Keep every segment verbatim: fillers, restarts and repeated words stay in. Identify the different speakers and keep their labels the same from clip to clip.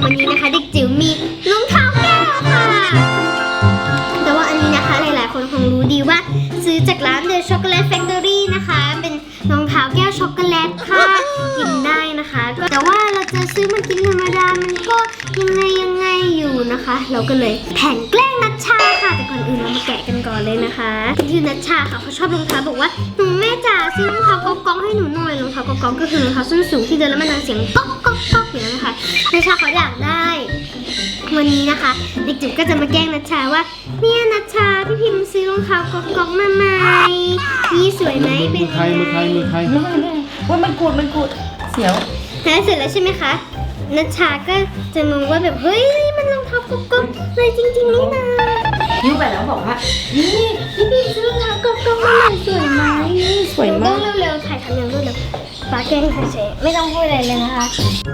Speaker 1: วันนี้นะคะเด็กจิ๋วมีรองเท้าแก้วค่ะแต่ว่าอันนี้นะคะหลายๆคนคงรู้ดีว่าซื้อจากร้าน The Chocolate Factory นะคะเป็นรองเท้าแก้วช็อกโกแลตค่ะกินได้นะคะแต่ว่าเราจะซื้อมากินธรรมดามันก็ยังไงยังไงอยู่นะคะ เราก็เลยแผนแกล้งนัชชาค่ะแต่ก่อนอื่นเรามาแกะกันก่อนเลยนะคะคือนัชชาค่ะเขาชอบรองเท้าบอกว่าหนูแม่จ๋าซื้อรองเท้าก๊อกก๊อกให้หนูหน่อยรองเท้าก๊อกก๊อกก็คือรองเท้าส้นสูงที่เดินแล้วมันดังเสียงก๊อกก๊อกก๊อกอย่างนั้นนะคะนัชชาเขาอยากได้วันนี้นะคะเด็กจิ๋วก็จะมาแกล้งนัชชาว่าเนี่ยนัชชาพี่พิมพ์ซื้อรองเท้าก๊อกก๊อกมาใหม่นี่สวยไหมเป็นยังไง
Speaker 2: มือใครมือใครมือใคร
Speaker 3: ว่ามันกูดมันกูดเสียว
Speaker 1: แล้วเสร็จแล้วใช่ไหมคะนัชชาก็จะงงว่าแบบเฮ้ยมันรองเท้าก๊อกก๊อกเลยจริงๆนี่นะ
Speaker 3: ยิ้วไปแล้วบอกว่านี่พี่พี่ซื้อรองเท้าก๊อกก๊อกมาใหม่สวยไหมสวย
Speaker 1: ต้
Speaker 3: มา
Speaker 1: อก งเร็วๆถ่ายทำอย่างรวดเร็วปาแกล้งเฉยๆไม่ต้องพูดอะไรเลยนะคะ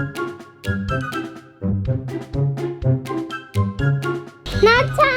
Speaker 1: นัชชา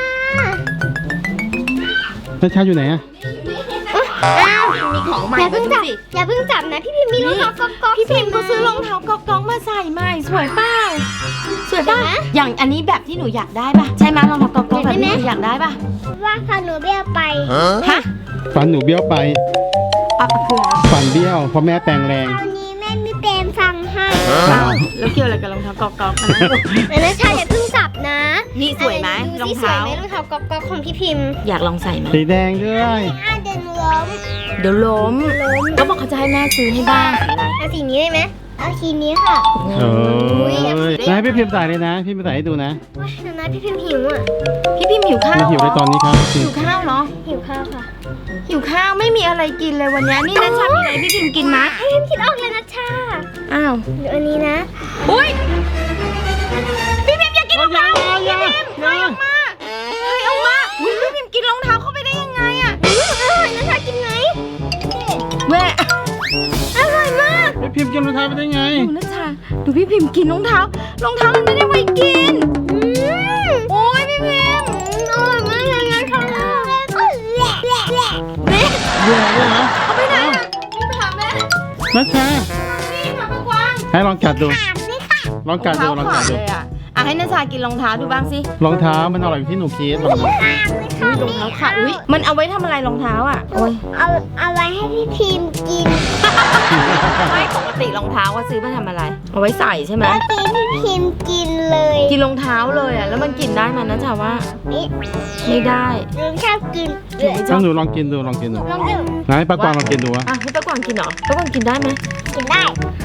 Speaker 2: นัชชาอยู่ไหนอะ
Speaker 1: อ้าว
Speaker 3: มีของใหม่
Speaker 1: อย่า
Speaker 3: มา
Speaker 1: เพิ่ง
Speaker 3: ดู
Speaker 1: จับ
Speaker 3: สิ
Speaker 1: อย่าเพิ่งจับนะพี่พิมพ์มีรองเท้าก๊อกก๊อก
Speaker 3: พี่พิมพ์ก็ซื้อรองเท้าก๊อกก๊อกมาใส่ใหม่สวยเปล่าสวยป่ะอย่างอันนี้แบบที่หนูอยากได้ป่ะใช่ไหมรองเท้าก๊อกก๊อกแบบที่หนูอยากได้ป่ะ
Speaker 1: ว่าพาหนูเบี้ยไป
Speaker 3: ฮะ
Speaker 2: ฟันหนูเบี้ยวไป
Speaker 3: อ่ะคืออะไร
Speaker 2: ฟันเบี้ยวเพราะแม่แปลงแรง
Speaker 1: คราวนี้แม่ไม่เป็นฟังให้
Speaker 3: อ้าวแล้วเกี่ยวอะไรกับรองเท้าก๊อกก๊อกอันนั้น
Speaker 1: แต่นัชชาอย่าเพิ่งจับนะ
Speaker 3: นี่สวยไหม
Speaker 1: ดู
Speaker 3: รอง
Speaker 1: สิสวย
Speaker 3: เท้า
Speaker 1: ไหมรองเท้าก๊อกก๊อกของพี่พิมพ์
Speaker 3: อยากลองใส่ไหม
Speaker 2: สีแดงด้วย
Speaker 1: อ่าเดินล้ม
Speaker 3: เดี๋ยวล้มก็บอกเขาจะให้แม่ซื้อให้บ้างสีอะไร
Speaker 1: เอาสีนี้ได้ไหมเอาสีนี้ค่ะ
Speaker 2: เออให้พี่พิมพ์ใส่เลยนะพี่พิมพ์ใส่ให้ดูนะ
Speaker 1: ว้ายเดี๋ยวนะพี่พิมพ์หิวอ่ะ
Speaker 3: พี่พิมพ์หิวข้าว
Speaker 2: ไม่หิว
Speaker 3: เหร
Speaker 2: ใน
Speaker 3: อ
Speaker 2: ตอนนี้ครับ
Speaker 3: หิวข้าวเหรอ
Speaker 1: หิวข้าวค่ะ
Speaker 3: หิวข้าวไม่มีอะไรกินเลยวันนี้นี่นัชชามีอะไรพี่พิมพ์กินมะ
Speaker 1: ให้พิมพ์คิดออกเลยนะชา
Speaker 3: อ้าว
Speaker 1: เดี๋ยวอันนี้นะ
Speaker 3: อุ้ยพี่พิมพ์อยากกินรองเท้า
Speaker 2: อย่า
Speaker 3: พี่พิมพ์ให้ออกมาให้ออกมาอุ้ยพี่พิมพ์กินรองเท้าเข้าไปได้ยังไงอะ
Speaker 1: อืมอร่อยนะชากินไหม
Speaker 3: แม่
Speaker 1: อร่อยมาก
Speaker 2: พี่พิมพ์กินรองเท้าไปได้ไง
Speaker 3: ดูนัชชาดูพี่พิมพ์กินรองเท้ารองเท้ามันไม่ได้ไว้กิน
Speaker 1: อืม
Speaker 3: โอ้ยพี่พิมพ์
Speaker 1: อร่อยมากเลยนะชาก็แหละแหละแหละ
Speaker 3: แม่
Speaker 2: เบื่อเลยเหรอ
Speaker 3: เอาไปไหนอะนี่ไปหาแม่
Speaker 2: นัชชา
Speaker 3: นี่หาปะกวาง
Speaker 2: ให้ลองกัดดู
Speaker 1: ถามสิค่ะ
Speaker 2: ลองกัดดูลองกัดดู
Speaker 3: เลยอะอ่ะให้นัชชากินรองเท้าดูบ้างสิ
Speaker 2: รองเท้ามันอร่อยที่หนูคิดลองดู
Speaker 1: ถามสิค่ะ
Speaker 3: รองเท้าขาดอุ้ยมันเอาไว้ทำอะไรรองเท้าอ่ะโอ้ย
Speaker 1: เอาเอาไว้ให้พี่พิมพ์กิน
Speaker 3: ไม่ปกติรองเท้าว่าซื้อมาทำอะไร เอาไว้ใส่ใช่ไหม
Speaker 1: เมื่อกี้พี่พิมพ์กินเลย
Speaker 3: กินรองเท้าเลยอ่ะแล้วมันกินได้มันนะจ๊ะว่า
Speaker 1: นี่
Speaker 3: ไม่ได้
Speaker 1: หนูชอบกิน
Speaker 3: หนูไม่ช
Speaker 2: ต้
Speaker 3: อ
Speaker 2: อบ งดูลองกินดูลองกินดู
Speaker 1: ลองดู
Speaker 2: ไหนป้ากวางลองกินดูวะ
Speaker 3: อ่ะให้ป้ากวางกินเหรอป้ากวางกินได้ไหม
Speaker 1: กินได้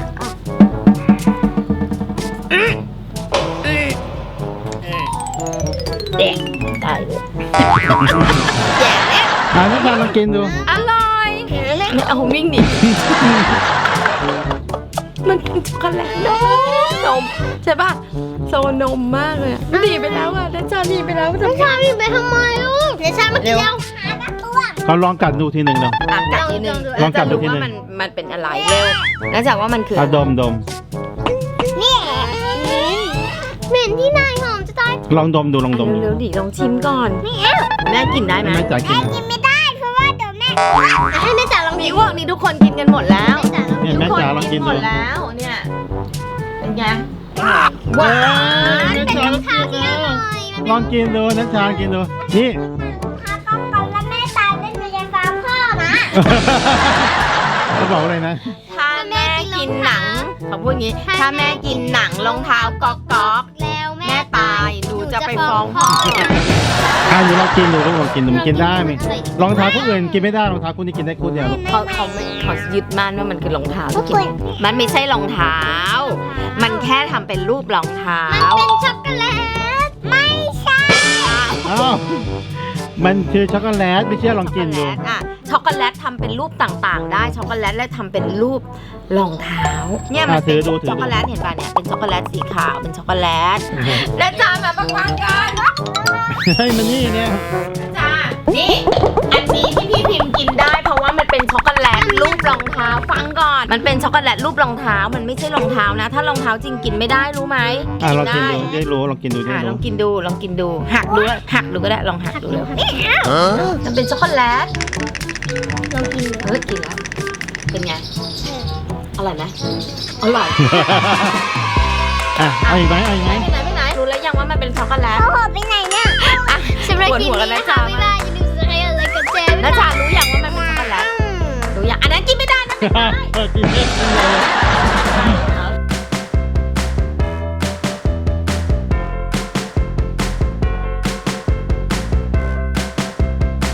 Speaker 3: เด็กได้เลย
Speaker 2: อ่านัชชาลองกินดู
Speaker 3: อร่อย
Speaker 1: เห็นไหม
Speaker 3: เนี่ยเอาวิ่งดิมันเป็นช็อกโกแลตนมนมใช่ป่ะโซนมมากเลยอะหนีไปแล้วอ่ะนัชชาหนีไปแล้ว
Speaker 1: น้องชาพี่ไปทำไมลูกเดี๋ยวชามากินแล้วหาตะตัว
Speaker 2: เขาลองกัดดูทีหนึ่งเนาะ
Speaker 3: อ่ะกัดทีหนึง
Speaker 2: ลองกัดดูทีหนึ่ง
Speaker 3: ว่ามันมันเป็นอะไรเร็วแล้วจากว่ามันคือ
Speaker 2: อ่ะดมดม
Speaker 1: นี่เหม็นที่นายหอมจะตาย
Speaker 2: ลองดมดูลองดมดู
Speaker 3: เร็วๆดิลองชิมก่อน
Speaker 1: ไม่เอา
Speaker 3: แม่กินได้ไหม
Speaker 2: แม่จ๋ากิน
Speaker 1: กินไม่ได้เพราะว่าเดี๋ยวแม่ให้แม่จ๋าลอง
Speaker 3: มี
Speaker 1: กิน
Speaker 3: อ้วกนี่ทุกคนกินกันหมดแล้ว
Speaker 1: แม่จ๋าลอง
Speaker 2: เนี่ยแม่จ๋าลองกิน
Speaker 3: หม
Speaker 2: ดู
Speaker 3: ดแล้วเนี่ยเป็นไง
Speaker 2: ว้า
Speaker 1: กิน
Speaker 2: นัช
Speaker 1: เป็น
Speaker 2: ชา
Speaker 1: รองเท้าที่อร่อย
Speaker 2: ลองกินดูนัชชากินดูนี่
Speaker 1: ค่ะต้องก่อนแล้วแม่ตายเล่นในยาฟ้าพ่อนะ
Speaker 2: เขาบอกอะไรนะ
Speaker 3: ถ้าแม่กินหนังเขาพูดงี้ ถ้าแม่กินหนังรองเท้าก๊อกก๊อก
Speaker 1: แล้วแม่
Speaker 3: แม่ตายหนูจะไปฟ้องพ่อ
Speaker 2: อ่าหนูลองกินดูลองกินดูมันกินได้ไหมรองเท้าคู่อื่นกินไม่ได้รองเท้าคู่นี้กินได้คู่เดียวลูก
Speaker 3: เขาเขาไม่เขายึดมั่นว่ามันคือรองเท้าที่กินมันไม่ใช่รองเท้า มันแค่ทำเป็นรูปรองเท้า
Speaker 1: มันเป็นช็อกโกแลตไม่ใช่
Speaker 2: อ้าวมันคือช็อกโกแลตไม่เชื่อลองกินดู
Speaker 3: ช็อกโกแลตอ่ะช็อกโกแลตทำเป็นรูปต่างๆ ได้ช็อกโกแลตและทำเป็นรูปรองเท้าเนี่ยมันเป็นช็อกโกแลตเห็นป่ะเนี่ยเป็นช็อกโกแลตสีขาวเป็นช็อกโกแลตและจานแบบประกวางกัน
Speaker 2: เฮ้ยมันนี่เนี่ย
Speaker 3: จ้านี่อันนี้ที่พี่พิมพ์กินได้เพราะว่ามันเป็นช็อกโกแลตรูปรองเท้าฟังก่อนมันเป็นช็อกโกแลตรูปรองเท้ามันไม่ใช่รองเท้านะ ถ้ารองเท้าจริงกินไม่ได้รู้ไหม
Speaker 2: อ่าลองกินดูได้รู้ลองกินดูได้
Speaker 3: อ่ะลอ
Speaker 2: รู้
Speaker 3: งกินดูลองกินดูหักดูหักดูก็ได้ลองหักดูเลยมันเป็นช็อกโกแลต
Speaker 1: ลองกินดู
Speaker 3: เฮ้ยกินแล้วเป็นไงอร่อยไหมอร่อย
Speaker 2: อ่ะเอาอีกไหมเอาอีกไหม
Speaker 3: ไปไหนไปไหนรู้แล้วยังว่ามันเป็นช็อกโกแลต
Speaker 1: เขาหอบไปไหนเนี่ย
Speaker 3: อ่ะ
Speaker 1: สำหรับ
Speaker 3: ปวด
Speaker 1: คลิป
Speaker 3: หัว
Speaker 1: นี้
Speaker 3: กัน
Speaker 1: นะ
Speaker 3: นะคะ
Speaker 1: คะบ๊ายบายอย่าลืมสไครต์อะไรกับเจม
Speaker 3: น้าจ๋ารู้ยังว่ามันเป็นช็อกโกแลตรู้ยังอันนั้นกินไม่ได้นะ
Speaker 2: เออกินเล่นกินเลย